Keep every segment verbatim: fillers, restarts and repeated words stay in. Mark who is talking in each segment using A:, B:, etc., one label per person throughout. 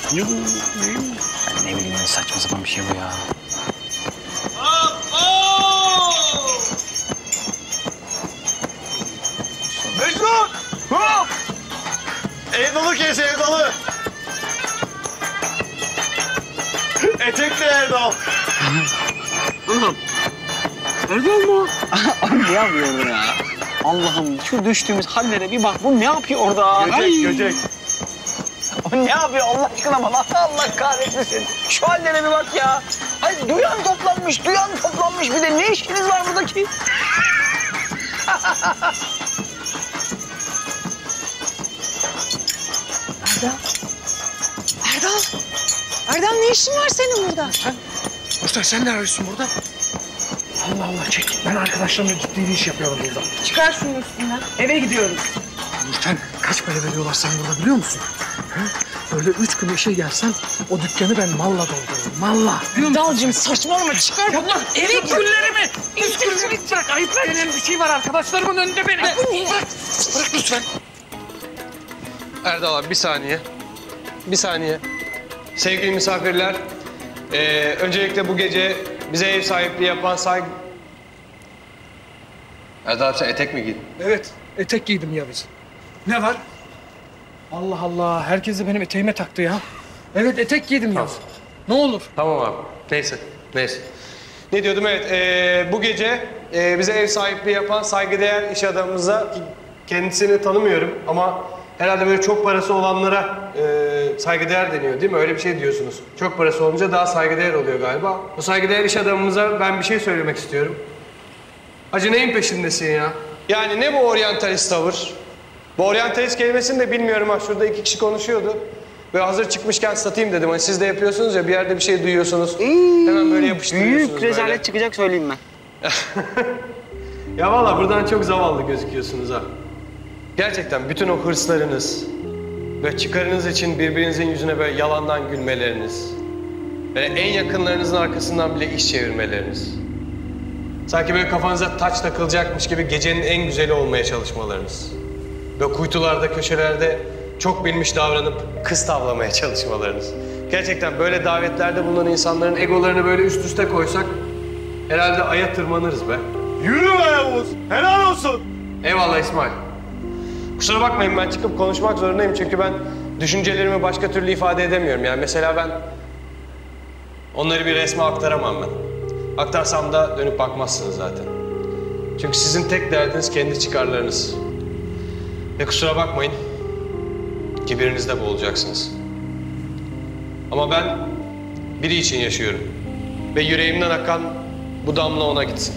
A: Ben ne bileyim ne saçma sapan bir şey bu ya.
B: Mecnun! Hop! Ev dolu kes, ev dolu. Etekli Erdal.
A: Erdal mı? Abi ne yapıyor orada ya? Allah'ım şu düştüğümüz hallere bir bak. Bu ne yapıyor orada?
B: Göcek,
A: Ay.
B: göcek.
A: O ne yapıyor Allah aşkına bana? Allah kahretmesin. Şu hallere bir bak ya. Ay duyan toplanmış, duyan toplanmış. Bir de ne işiniz var buradaki?
C: Erdal. Erdal. Erdal ne işin var senin burada?
D: Sen, Mustafa sen ne arıyorsun burada? Allah Allah çek. Ben arkadaşlarımla ciddi bir iş yapıyorum burada.
C: Çıkar şunun üstünden. Eve gidiyoruz.
D: Nurten kaç para veriyorlar sana burada biliyor musun? Ha? Böyle üç gün işe gelsen o dükkanı ben malla doldururum. Malla.
C: Erdal'cığım saçmalama çıkar.
D: Ya ulan eve güllerimi. Üç gün bırak. Ayıp denen bir şey var arkadaşlarımın önünde benim.
C: Ay, bu ne?
D: Bırak. Bırak lütfen.
E: Erdal abi bir saniye. Bir saniye. Sevgili misafirler, ee, öncelikle bu gece bize ev sahipliği yapan saygı... Erdal abi sen etek mi giydin?
D: Evet. Etek giydim ya biz. Ne var? Allah Allah. Herkes de benim eteğime taktı ya. Evet etek giydim ya. Ne olur.
E: Tamam abi. Neyse, neyse. Ne diyordum? Evet, ee, bu gece ee, bize ev sahipliği yapan saygıdeğer iş adamımıza, ki kendisini tanımıyorum ama herhalde böyle çok parası olanlara ee, saygıdeğer deniyor değil mi? Öyle bir şey diyorsunuz. Çok parası olunca daha saygıdeğer oluyor galiba. O saygıdeğer iş adamımıza ben bir şey söylemek istiyorum. Hacı neyin peşindesin ya? Yani ne bu oryantalist tavır? Bu oryantalist kelimesini de bilmiyorum ha. Şurada iki kişi konuşuyordu. Böyle hazır çıkmışken satayım dedim. Hani siz de yapıyorsunuz ya, bir yerde bir şey duyuyorsunuz.
A: İyi,
E: hemen böyle yapıştırıyorsunuz
A: büyük rezalet
E: böyle.
A: çıkacak söyleyeyim ben.
E: Ya vallahi buradan çok zavallı gözüküyorsunuz ha. Gerçekten bütün o hırslarınız ve çıkarınız için birbirinizin yüzüne böyle yalandan gülmeleriniz, böyle en yakınlarınızın arkasından bile iş çevirmeleriniz. Sanki böyle kafanıza taç takılacakmış gibi gecenin en güzeli olmaya çalışmalarınız. Böyle kuytularda, köşelerde çok bilmiş davranıp kız tavlamaya çalışmalarınız. Gerçekten böyle davetlerde bulunan insanların egolarını böyle üst üste koysak herhalde aya tırmanırız be.
B: Yürü be Yavuz. Helal olsun.
E: Eyvallah İsmail. Kusura bakmayın ben çıkıp konuşmak zorundayım çünkü ben düşüncelerimi başka türlü ifade edemiyorum. Yani mesela ben onları bir resme aktaramam ben. Aktarsam da dönüp bakmazsınız zaten. Çünkü sizin tek derdiniz kendi çıkarlarınız. Ve kusura bakmayın, kibirinizde boğulacaksınız. Ama ben biri için yaşıyorum. Ve yüreğimden akan bu damla ona gitsin.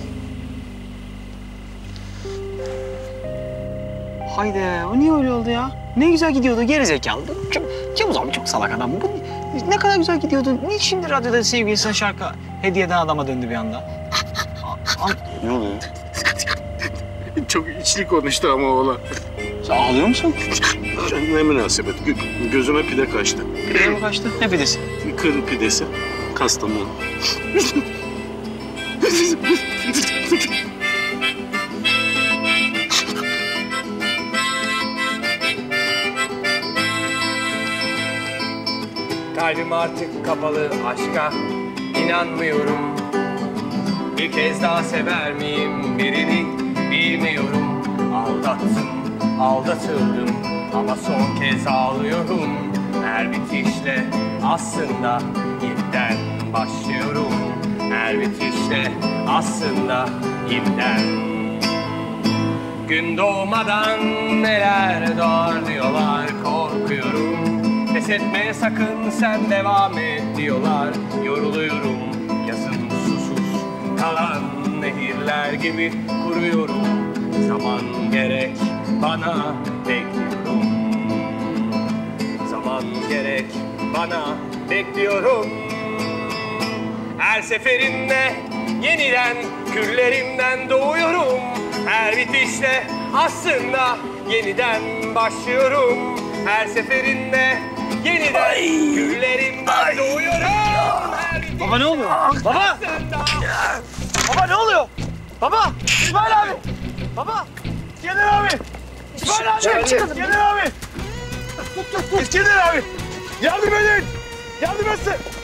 A: Haydi o niye öyle oldu ya? Ne güzel gidiyordu gerizekalı. Çok, Yavuz abi çok salak adam. Bu ne kadar güzel gidiyordu. Niye şimdi radyoda sevgilisine şarkı hediye eden adama döndü bir anda? Ne oluyor?
F: Çok içli konuştu ama oğlan.
A: Sen ağlıyor musun?
F: Ne münasebet. Gö- gözüme pide kaçtı.
A: Pideye mi kaçtı? Ne pidesi?
F: Kır pidesi. Kastamonu.
E: Kalbim artık kapalı aşka, inanmıyorum. Bir kez daha sever miyim birini bilmiyorum. Aldattım, aldatıldım ama son kez ağlıyorum. Her bitişle aslında yeniden başlıyorum. Her bitişle aslında yeniden. Gün doğmadan neler doğar diyorlar, korkuyorum. Pes etme sakın sen devam et diyorlar. Yoruluyorum yazın susuz kalan nehirler gibi kuruyorum. Zaman gerek bana bekliyorum. Zaman gerek bana bekliyorum. Her seferinde yeniden küllerimden doğuyorum. Her bitişle aslında yeniden başlıyorum. Her seferinde yeniden Ay. Güllerimden Ay. Doğuyorum.
A: Baba ne oluyor? Baba! Baba ne oluyor? Baba! İsmail abi! Baba!
B: İskender abi. İsmail abi.
C: Çık, çıkalım.
B: İskender abi. İskender abi. Yardım edin. burası.